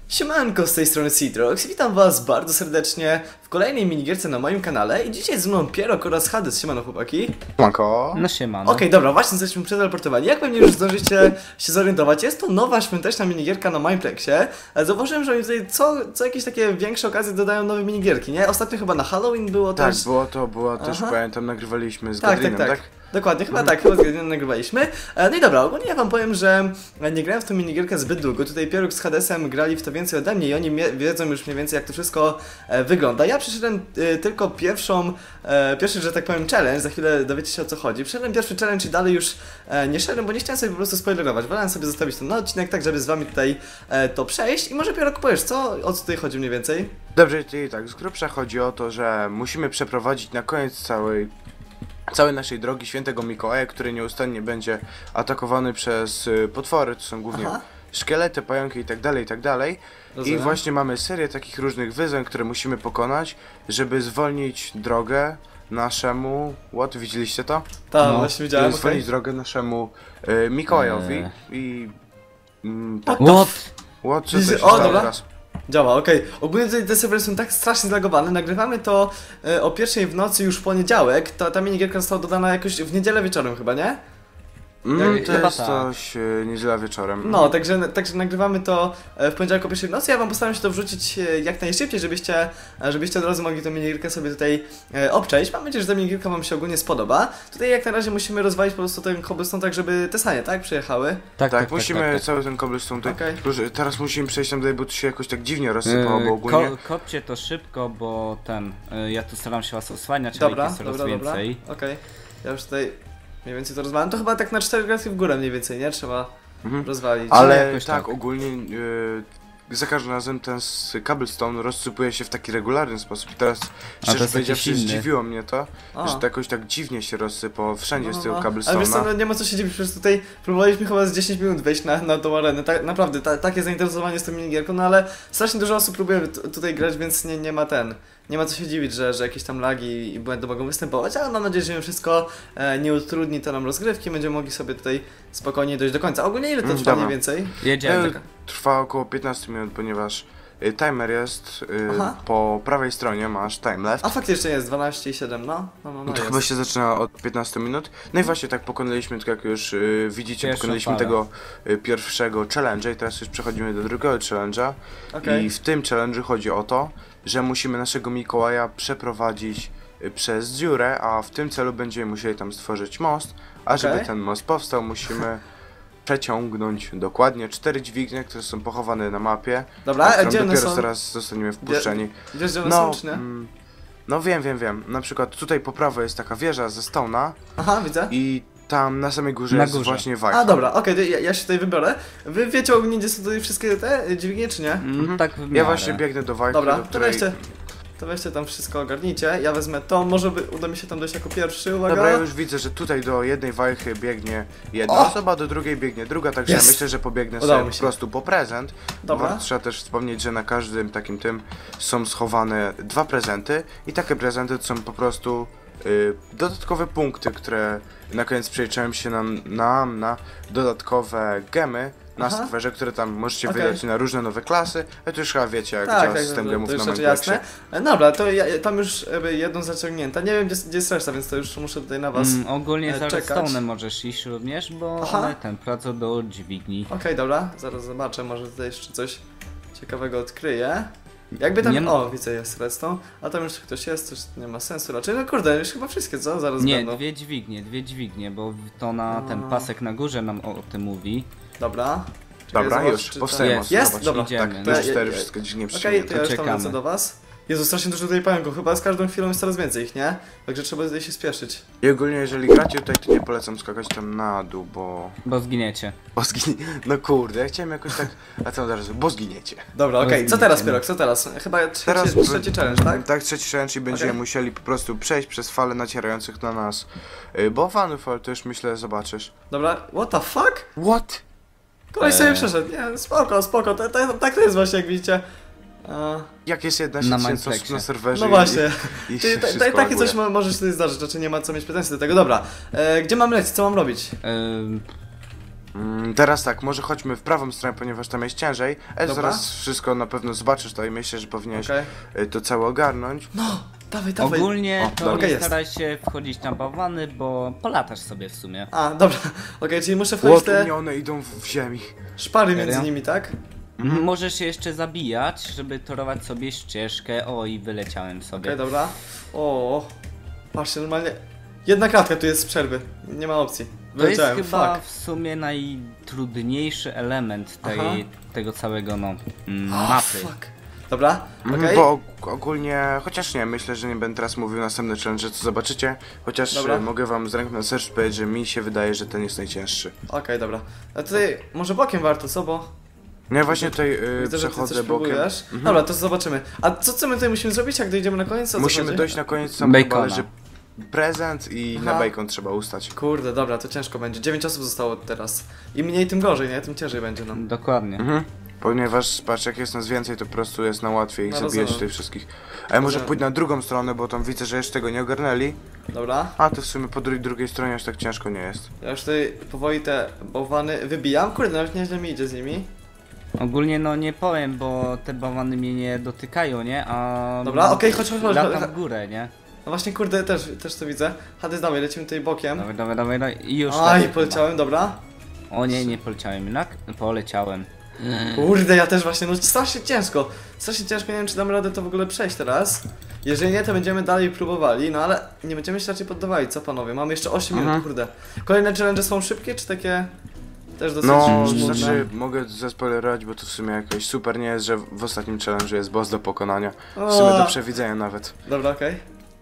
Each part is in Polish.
Siemanko, z tej strony Citrox. Witam was bardzo serdecznie w kolejnej minigierce na moim kanale i dzisiaj z mną Pierok oraz Hades. Siemano chłopaki. Siemanko. No siemano. Okej, dobra, właśnie jesteśmy przeteleportowani. Jak pewnie już zdążycie się zorientować, jest to nowa świąteczna minigierka na Mineplexie. Zauważyłem, że oni tutaj co jakieś takie większe okazje dodają nowe minigierki, nie? Ostatnio chyba na Halloween było Tak, też... było też, pamiętam, nagrywaliśmy z Tak, Gadrinem, tak? Dokładnie, chyba tak, chyba z Gadrinem nagrywaliśmy. No i dobra, ogólnie ja wam powiem, że nie grałem w tą minigierkę zbyt długo. Tutaj Pieruk z Hadesem grali w to więcej ode mnie i oni wiedzą już mniej więcej, jak to wszystko wygląda. Ja przeszedłem tylko pierwszy, że tak powiem, challenge, za chwilę dowiecie się, o co chodzi. Przeszedłem pierwszy challenge i dalej już nie szedłem, bo nie chciałem sobie po prostu spoilerować. Wolałem sobie zostawić ten odcinek tak, żeby z wami tutaj to przejść. I może Pieruk powiesz, o co tutaj chodzi mniej więcej? Dobrze, czyli tak, z grubsza chodzi o to, że musimy przeprowadzić na koniec całej naszej drogi Świętego Mikołaja, który nieustannie będzie atakowany przez potwory, to są głównie szkielety, pająki i tak dalej, i tak dalej. I właśnie mamy serię takich różnych wyzwań, które musimy pokonać, żeby zwolnić drogę naszemu... Widzieliście to? Tak, no, właśnie widziałem. Zwolnić drogę naszemu Mikołajowi i... tak. Co się stało dobra. teraz? Działa, okej. Ogólnie tutaj te serwery są tak strasznie zlagowane. Nagrywamy to o 1 w nocy już w poniedziałek. Ta minigierka została dodana jakoś w niedzielę wieczorem chyba, nie? To jest coś niedziela wieczorem. No, także nagrywamy to w poniedziałek o 1 w nocy. Ja wam postaram się to wrzucić jak najszybciej, żebyście od razu mogli tę minigierkę sobie tutaj obczaić. Mam nadzieję, że ta minigierka wam się ogólnie spodoba. Tutaj jak na razie musimy rozwalić po prostu ten cobblestone tak, żeby te sanie, tak? Przyjechały. Tak, musimy cały ten cobblestone tutaj. Teraz musimy przejść tam dalej, bo tu się jakoś tak dziwnie rozsypało, bo ogólnie... Kopcie to szybko, bo ja tu staram się was osłaniać, dobra, ale jest coraz więcej. Okej. Ja już tutaj mniej więcej to rozwalam. To chyba tak na 4 kratki w górę mniej więcej, nie? Trzeba rozwalić. Ale tak, ogólnie za każdym razem ten cobblestone rozsypuje się w taki regularny sposób. I teraz, szczerze powiedziawszy, zdziwiło mnie to, że to jakoś tak dziwnie się rozsypało wszędzie z tego cobblestone'a. Ale wiesz co, nie ma co się dziwić, przecież tutaj próbowaliśmy chyba z 10 minut wejść na tą arenę. Naprawdę, takie zainteresowanie z tą minigierką, no ale strasznie dużo osób próbuje tutaj grać, więc nie ma co się dziwić, że jakieś tam lagi i błędy mogą występować, ale mam nadzieję, że mimo wszystko nie utrudni to nam rozgrywki, będziemy mogli sobie tutaj spokojnie dojść do końca. Ogólnie ile to trwa mniej więcej? Jedziemy. Trwa około 15 minut, ponieważ timer jest po prawej stronie, masz time left. A faktycznie jest 12,7, no. To chyba się zaczyna od 15 minut. No i właśnie tak pokonaliśmy, tak jak już widzicie, pokonaliśmy tego pierwszego challenge'a i teraz już przechodzimy do drugiego challenge'a. I w tym challenge'u chodzi o to, że musimy naszego Mikołaja przeprowadzić przez dziurę, a w tym celu będziemy musieli tam stworzyć most, a żeby ten most powstał, musimy przeciągnąć dokładnie 4 dźwignie, które są pochowane na mapie. Dobra, gdzie one dopiero są? zaraz zostaniemy wpuszczeni. Wiesz, gdzie one są, czy nie? No wiem. Na przykład tutaj po prawo jest taka wieża ze stone'a. Aha, widzę. I tam na samej górze jest właśnie wajcha. A dobra, okej, ja się tutaj wybiorę. Wy wiecie ogólnie, gdzie są tutaj wszystkie te dźwignie, czy nie? Tak w miarę. Ja właśnie biegnę do wajchy, dobra, do której... to weźcie tam wszystko ogarnijcie, ja wezmę to, może uda mi się tam dojść jako pierwszy, uwaga. Dobra, ja już widzę, że tutaj do jednej wajchy biegnie jedna osoba, do drugiej biegnie druga, także ja myślę, że pobiegnę sobie po prostu po prezent. Dobra. Trzeba też wspomnieć, że na każdym takim tym są schowane 2 prezenty i takie prezenty to są po prostu dodatkowe punkty, które na koniec przeliczyłem się nam na dodatkowe gemy na serwerze, które tam możecie wydać na różne nowe klasy, ale to już chyba wiecie, jak działa system gemów na Minecrafcie. Dobra, to tam już jedną zaciągnięta. Nie wiem, gdzie jest reszta, więc to już muszę tutaj na was ogólnie za czekać. Redstone'em możesz iść również, bo one pracą do dźwigni. Okej, dobra, zaraz zobaczę, może tutaj jeszcze coś ciekawego odkryję. Jakby tam... widzę, jest redstone, a tam już ktoś jest, coś nie ma sensu raczej. No kurde, już chyba wszystkie, co? Zaraz będą. Nie, dwie dźwignie, bo to na ten pasek na górze nam o tym mówi. Dobra. Dobra, już, powstaje. Jest? Dobra, idziemy. Tak, to już 4 wszystko dźwignie Okej, to ja już tam lecę do was. Jezu, strasznie dużo tutaj pająków, chyba z każdą chwilą jest coraz więcej ich, nie? Także trzeba tutaj się spieszyć. I ogólnie, jeżeli gracie tutaj, to nie polecam skakać tam na dół, bo zginiecie. No kurde, ja chciałem jakoś tak... A co teraz? Bo zginiecie. Dobra, okej. Co teraz, Pierok? Co teraz? Chyba trzeci challenge, tak? Tak, trzeci challenge i będziemy musieli po prostu przejść przez fale nacierających na nas bałwanów, ale to już myślę zobaczysz. Dobra, what the fuck? What? Koleś sobie przeszedł, nie, spoko, tak to jest właśnie, jak widzicie. Jak jest 11 osób na serwerze. No właśnie. I takie coś może się tutaj zdarzyć, znaczy nie ma co mieć pretensji do tego. Dobra, gdzie mam lecieć, co mam robić? Teraz tak, może chodźmy w prawą stronę, ponieważ tam jest ciężej. Dobra. Zaraz wszystko na pewno zobaczysz to i myślę, że powinieneś Okej. to całe ogarnąć. No, dawaj. Ogólnie to dobra, nie jest. staraj się wchodzić na bałwany, bo polatasz sobie w sumie. A, dobra. Okej, czyli muszę wchodzić te Łotunie, one idą w ziemi. szpary między Serio? nimi, tak? Możesz się jeszcze zabijać, żeby torować sobie ścieżkę. O, i wyleciałem sobie. Okej, dobra. O, patrzcie, normalnie. Jedna kratka tu jest z przerwy. Nie ma opcji. To jest Wyleciałem, chyba fuck. w sumie najtrudniejszy element Aha. tego całego O, mapy. fuck. Dobra, okej. Bo ogólnie, chociaż nie, myślę, że nie będę teraz mówił następny challenge, co zobaczycie. Chociaż Dobra. mogę wam z ręką na sercu powiedzieć, że mi się wydaje, że ten jest najcięższy. Okej, dobra. A tutaj może bokiem warto, co? Bo Ja właśnie tutaj widzę, że ty przechodzę coś bokiem. próbujesz. Dobra, to zobaczymy. A co my tutaj musimy zrobić, jak dojdziemy na koniec? O co Musimy chodzi? dojść na koniec, tam Bacona. chyba leży prezent i Aha. na bacon trzeba ustać. Kurde, dobra, to ciężko będzie. 9 osób zostało teraz. Im mniej, tym gorzej, nie? Tym ciężej będzie nam. Dokładnie. Ponieważ, patrz, jak jest nas więcej, to po prostu jest na łatwiej ich No, zabijać rozumiem. tutaj wszystkich. A ja może Rozumiem. pójdę na drugą stronę, bo tam widzę, że jeszcze tego nie ogarnęli. Dobra. A to w sumie po drugiej stronie aż tak ciężko nie jest. Ja już tutaj powoli te bałwany wybijam. Kurde, nawet nieźle mi idzie z nimi. Ogólnie no nie powiem, bo te bałwany mnie nie dotykają, nie? A Dobra, okej, chodź. latam w górę, nie? No właśnie, kurde, też to widzę. Hades, dawaj, lecimy tutaj bokiem. Dawaj. I już Aj, lecę poleciałem, dobra. chyba. O nie poleciałem jednak. Poleciałem. Kurde, ja też właśnie, no strasznie ciężko. Strasznie ciężko, nie wiem czy dam radę to w ogóle przejść teraz. Jeżeli nie, to będziemy dalej próbowali, no ale nie będziemy się raczej poddawali, co panowie? Mamy jeszcze 8 minut, kurde. Kolejne challenge są szybkie, czy takie też dosyć No, żmudne? znaczy mogę zaspoilerować, bo to w sumie jakoś super nie jest, że w ostatnim challenge jest boss do pokonania. W sumie do przewidzenia nawet. Dobra, okej.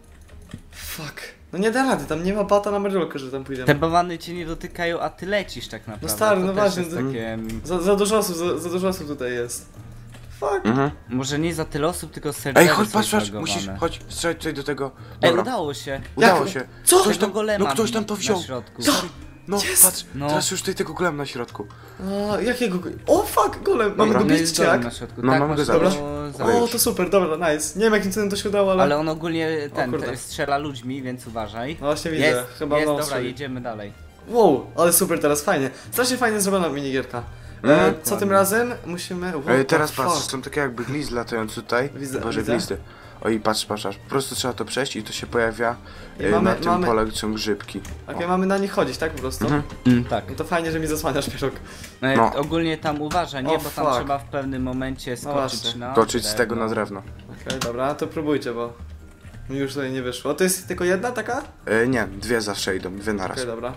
Fuck. No nie da rady, tam nie ma bata na merdolkę, że tam pójdziemy. Te bałwany cię nie dotykają, a ty lecisz tak naprawdę. No stary, To no też właśnie, jest to- takie... Za dużo osób, za dużo osób tutaj jest. Fuck. Może nie za tyle osób, tylko serwery Ej, chodź, są patrz, zbagowane. musisz, chodź, strzelać tutaj do tego. Ej, Dobra, udało się. udało Jak? się. Co? Ktoś tam, Tego golema no ktoś tam to na wziął. środku. Co? No, Jest. patrz, No. teraz już tutaj tego golem na środku. A, jakiego O fuck, golem, mamy Dobra. go No bić jest czy golem jak? na środku. No, tak, mamy go masz zabrać. zabrać. O, to super, dobra, nice. Nie wiem jakim cudem to się udało, ale... Ale on ogólnie kurde. strzela ludźmi, więc uważaj. No właśnie widzę, Jest, chyba jest, no, dobra, strzeli. jedziemy dalej. Wow, ale super teraz, fajnie. Strasznie fajnie zrobiona minigierka. Co tym razem musimy... What Teraz the patrz, fuck? są takie jakby glizdy latające tutaj. Boże, widzę. glizdy. Oj, patrz, po prostu trzeba to przejść i to się pojawia I mamy- na tym mamy- pole, gdzie są grzybki. Okej, mamy na nich chodzić, tak po prostu? Tak. No to fajnie, że mi zasłaniasz pieróg. No. Ogólnie tam uważaj, nie? O, Bo tam fuck. trzeba w pewnym momencie skoczyć właśnie. na Toczyć z tego drewno. na drewno. Okej, dobra, to próbujcie, bo mi już tutaj nie wyszło. To jest tylko jedna taka? Nie, dwie zawsze idą, dwie naraz. Okej, dobra.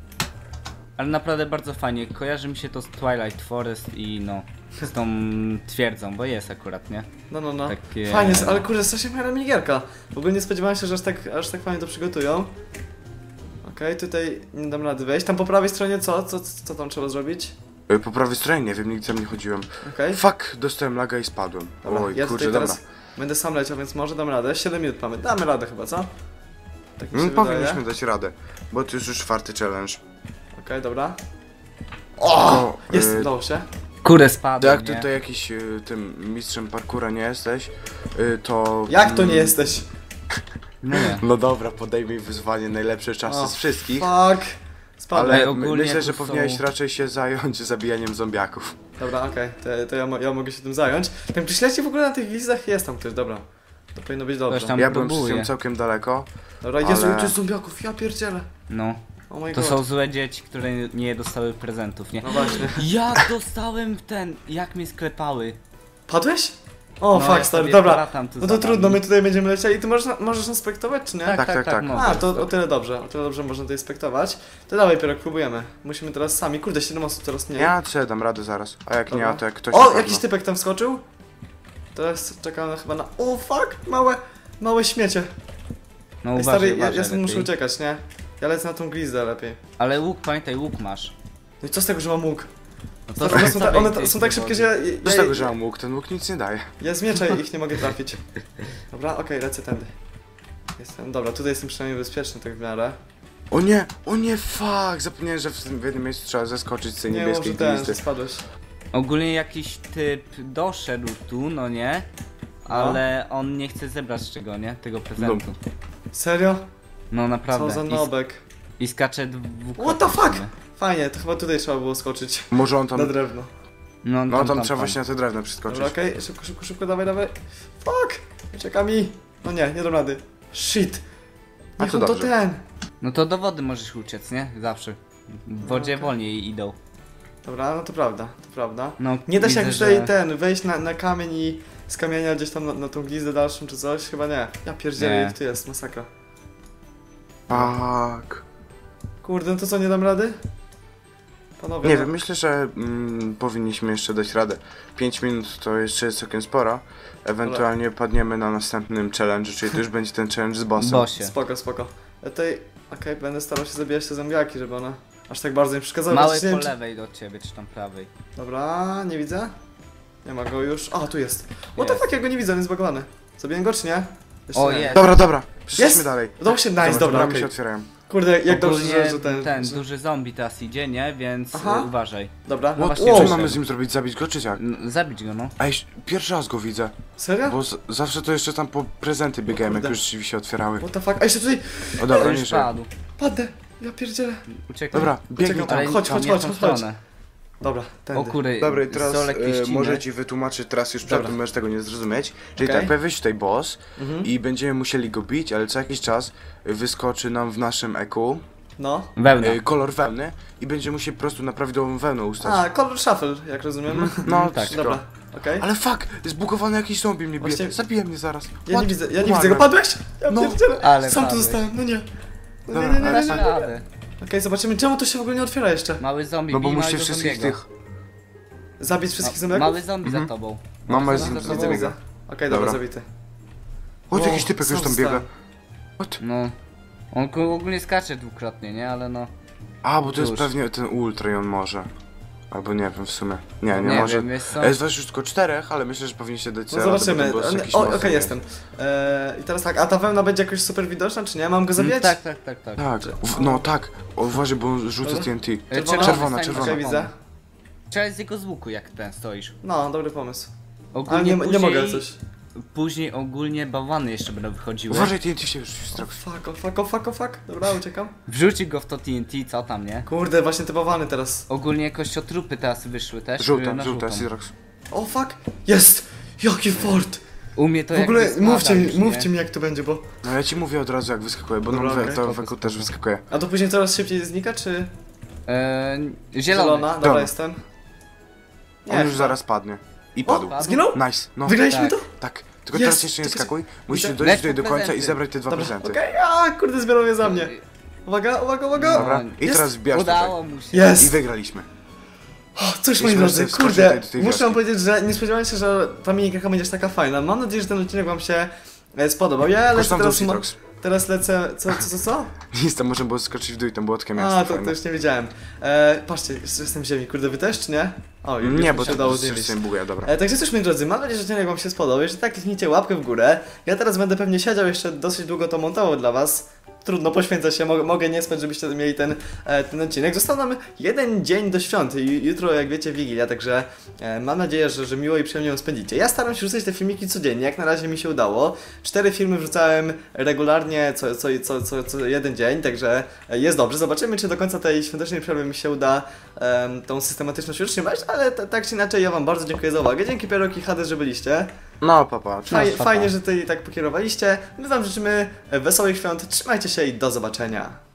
Ale naprawdę bardzo fajnie. Kojarzy mi się to z Twilight Forest i no, z tą twierdzą, bo jest akurat, nie? No. Takie- Fajnie, ale kurde, strasznie fajna minigierka. W ogóle nie spodziewałem się, że aż tak fajnie to przygotują. Okej, tutaj nie dam rady wejść. Tam po prawej stronie co tam trzeba zrobić? Po prawej stronie, nie wiem, nigdy tam nie chodziłem. Okej. Fuck, dostałem laga i spadłem. Dobra, Oj, ja kurczę, tutaj dobra. teraz będę sam leciał, więc może dam radę. 7 minut mamy. Damy radę chyba, co? Tak mi się wydaje. Powinniśmy dać radę, bo to już czwarty challenge. Okej, dobra. O! Jest, udało się. Kurde, spadłem, Jak nie? tutaj jakiś tym mistrzem parkura nie jesteś, to... Jak to nie jesteś? No nie. No dobra, podejmij wyzwanie najlepsze czasy O, z wszystkich. Fuck. Spadłem. Ale Ej, ogólnie myślę, że tu są- powinieneś raczej się zająć zabijaniem zombiaków. Dobra, okej, to ja mogę się tym zająć. Tam czy śledźcie w ogóle na tych listach? Jest tam ktoś, dobra. To powinno być dobrze. Ktoś tam Ja byłem próbuje. z tym całkiem daleko. Dobra, Jezu, ale- tu jest zombiaków, ja pierdzielę. No. Oh my To god. są złe dzieci, które nie dostały prezentów, nie? No właśnie. Jak dostałem jak mnie sklepały. Padłeś? O, No, fuck, ja stary, sobie dobra. latam tu No za to trudno, wami. my tutaj będziemy lecieli. Ty możesz nas spektować, czy nie? Tak. mogę. A, to o tyle dobrze, można tutaj spektować. To dawaj, Pierok, próbujemy. Musimy teraz sami. Kurde, 7 osób teraz nie. Ja sobie dam radę zaraz. A jak Dobra. nie, to jak ktoś... O, na pewno. jakiś typek tam wskoczył. Teraz czekamy chyba na... O, fuck, małe śmiecie. No Ej, uważaj, stary, ja uważaj stąd muszę lepiej. uciekać, nie? Ja lecę na tą glizdę lepiej. Ale łuk, pamiętaj, łuk masz. No i co z tego, że mam łuk? No Stary, one są, sobie one gdzieś są tak szybkie, że Co z tego, że mam łuk? Ten łuk nic nie daje. ja z miecza ich nie mogę trafić. Dobra, okej, lecę tędy. Dobra, tutaj jestem przynajmniej bezpieczny tak w miarę. O nie, fuck! Zapomniałem, że w jednym miejscu trzeba zeskoczyć z tej Nie, niebieskiej może glizdy. spadłeś. Ogólnie jakiś typ doszedł tu, no nie? Ale on nie chce zebrać czego, nie? Tego prezentu. Serio? No naprawdę. Co za I nobek. I skacze dwukrotnie. What the fuck? Fajnie, to chyba tutaj trzeba było skoczyć. Może on tam... Na drewno. No tam trzeba właśnie na te drewno przeskoczyć. Dobra, okej, szybko, dawaj. Fuck! Ucieka mi. No nie dam rady. Shit. A Niech to on to dobrze. ten. No to do wody możesz uciec, nie? Zawsze. W wodzie okej. wolniej idą. Dobra, no to prawda. No, Nie da się widzę, jakbyś tutaj że- wejść na kamień i z kamienia gdzieś tam na tą glizdę dalszą czy coś? Chyba nie. Ja pierdzielę, Nie. jak tu jest, masakra. Tak. Kurde, no to co, nie dam rady? Panowie, Nie no. wiem, myślę, że powinniśmy jeszcze dać radę. 5 minut to jeszcze jest całkiem sporo. Ewentualnie padniemy na następnym challenge, czyli to już będzie ten challenge z bossem. Bosie. Spoko. Ja tutaj, okej, będę starał się zabijać te zombiaki, żeby one aż tak bardzo nie przeszkadzały. Mały Chociaż nie po wiem, czy- lewej od ciebie, czy tam prawej. Dobra, nie widzę. Nie ma go już. A, tu jest. What the Jest. fuck, ja go nie widzę, on jest zbagowany. Zabiję go czy nie? Jeszcze O, nie. jest. Dobra, przeszliśmy Jest! dalej. Udało się, nice, dobra, bramy okej. się otwierają. Kurde, jak dobrze, Ogólnie że ten... że- duży zombie teraz idzie, nie? Więc Aha. uważaj. Dobra, No właśnie, Co wyszedł. mamy z nim zrobić? Zabić go czy jak? Zabić go, no. Ej, pierwszy raz go widzę. serio? Bo zawsze to jeszcze tam po prezenty biegałem, jak kurde. już drzwi się otwierały. What the fuck, a jeszcze tutaj O dobra, To nie już żyję. padł. padnę. Ja pierdzielę. Uciekaj. Dobra, biegnij Uciekam. tam. Ale chodź, nie w tą chodź. stronę. Dobra, tędy. O kury, Dobra, i teraz Solek pieściny. może ci wytłumaczyć, teraz już Dobra. przed możesz tego nie zrozumieć. Czyli Okej. tak, pojawia się tutaj boss Mhm. i będziemy musieli go bić, ale co jakiś czas wyskoczy nam w naszym eku No. Wełna. kolor wełny i będziemy musieli po prostu na prawidłową wełnę ustać. A, color shuffle, jak rozumiem. No tak. wszystko. Dobra, okej. Ale fuck, zbugowany jakiś zombie mnie bije. Właśnie- Zabije mnie zaraz. Ja What? nie widzę go. Umarłem. Padłeś? Ja No, pierdzielę. ale Sam tu padłeś. zostałem, no nie. No Dobra, nie. ale- Dasz radę. Okej, zobaczymy, czemu to się w ogóle nie otwiera jeszcze. Mały zombie, No bo bij musicie małego wszystkich zombiego. tych... Zabić wszystkich zombiaków? Mały zombie za tobą. Mama Mały jest zombie z- za widzę, tobą. widzę. Okej, dobra, Dobra. zabity. O, Wow, jakiś typek już sam tam biega. zostałem. What? No. On ogólnie skacze dwukrotnie, nie? Ale no. A, bo to jest Już. pewnie ten ultra i on może. Albo nie wiem w sumie. Nie Nie może. wiem, jest co? Jest was już tylko 4, ale myślę, że powinniście dać No sobie radę, zobaczymy. bo ten boss jakiś O, mocny okej, jest. jestem. I teraz tak, a ta wełna będzie jakoś super widoczna, czy nie? Mam go zabijać? Tak. Tak, no tak. O, uważaj, bo on rzuca Dobra. TNT. Czerwona? Czerwona, stań czerwona. Okej, widzę. Strzelaj z jego z łuku, jak ten stoisz. No, dobry pomysł. Ale Ogólnie nie później, mogę coś. Później ogólnie bałwany jeszcze będą wychodziły. Uważaj, TNT się już O strach. fuck. Dobra, uciekam. Wrzuci go w to TNT, co tam, nie? Kurde, właśnie te bałwany teraz. Ogólnie kościotrupy teraz wyszły też. Żółta, na żółta, żółtą. Sidrax. O fuck! Jest! Jaki fort! U mnie to W ogóle jakby mówcie spada mi, już, mówcie nie? mi jak to będzie, bo... No ja ci mówię od razu jak wyskakuje, bo Dobra, nam okej. to Spoko, weku spoko. też wyskakuje. A to później coraz szybciej znika, czy... Zielony. Zielona? Dobra, Dobra. jestem. On już zaraz padnie. I padł. O, zginął? Nice, no. Wygraliśmy Tak. to? Tak. Tylko Jest! teraz jeszcze nie Czekaj, skakuj. Musisz widzę. dojść Lecz tutaj do po końca i prezenty. zebrać te dwa Dobra, prezenty. okej, a kurde, zbierał je za mnie. Uwaga. Dobra, i Jest. teraz wbijasz tutaj. Udało mu się. I Jest! wygraliśmy. O, cóż, I moi możesz drodzy, sobie wskoczyć kurde, tutaj do tej muszę wam wioski. powiedzieć, że nie spodziewałem się, że ta minigierka będzie aż taka fajna. Mam nadzieję, że ten odcinek wam się spodobał. Ja lecę Kosztam teraz... do Citrox. Teraz lecę... Co? Nic, tam można było skoczyć w dół i tam było takie miasto A, to fajne. już nie wiedziałem. Patrzcie, jeszcze jestem w ziemi. Kurde, wy też, czy nie? O, już Nie, mi bo się to udało coś zjeść. się buguje, dobra. Także cóż, moi drodzy, mam nadzieję, że odcinek wam się spodobał. Jeżeli tak, kliknijcie łapkę w górę. Ja teraz będę pewnie siedział jeszcze dosyć długo to montował dla was. Trudno, poświęcać się, mogę nie spać, żebyście mieli ten odcinek. Został nam jeden dzień do świąt i jutro, jak wiecie, Wigilia, także mam nadzieję, że miło i przyjemnie ją spędzicie. Ja staram się wrzucać te filmiki codziennie, jak na razie mi się udało. 4 filmy wrzucałem regularnie co jeden dzień, także jest dobrze. Zobaczymy, czy do końca tej świątecznej przerwy mi się uda tą systematyczność utrzymać, ale tak czy inaczej, ja wam bardzo dziękuję za uwagę. Dzięki Pierok i Hades, że byliście. No, papa. Fajnie, że tutaj tak pokierowaliście. My wam życzymy wesołych świąt, trzymajcie się i do zobaczenia.